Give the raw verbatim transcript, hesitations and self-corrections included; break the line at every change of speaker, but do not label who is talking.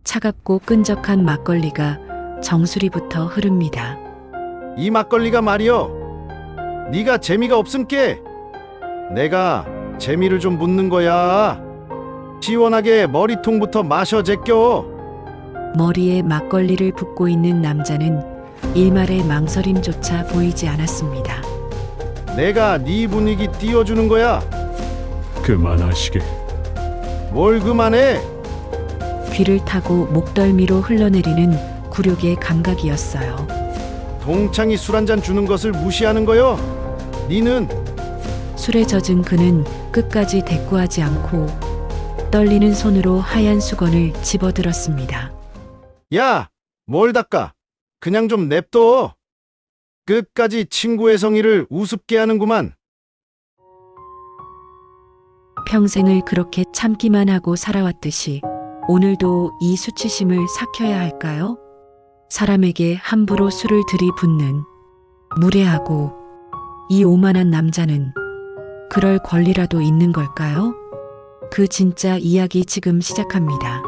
차갑고 끈적한 막걸리가 정수리부터 흐릅니다.
이 막걸리가 말이여, 네가 재미가 없음께 내가 재미를 좀 묻는 거야. 시원하게 머리통부터 마셔 제껴.
머리에 막걸리를 붓고 있는 남자는 일말의 망설임조차 보이지 않았습니다.
내가 네 분위기 띄워주는 거야.
그만하시게.
뭘 그만해.
귀를 타고 목덜미로 흘러내리는 굴욕의 감각이었어요.
동창이 술 한잔 주는 것을 무시하는 거요. 니는
술에 젖은 그는 끝까지 대꾸하지 않고 떨리는 손으로 하얀 수건을 집어들었습니다.
야, 뭘 닦아. 그냥 좀 냅둬. 끝까지 친구의 성의를 우습게 하는구만.
평생을 그렇게 참기만 하고 살아왔듯이 오늘도 이 수치심을 삭혀야 할까요? 사람에게 함부로 술을 들이붓는 무례하고 이 오만한 남자는 그럴 권리라도 있는 걸까요? 그 진짜 이야기 지금 시작합니다.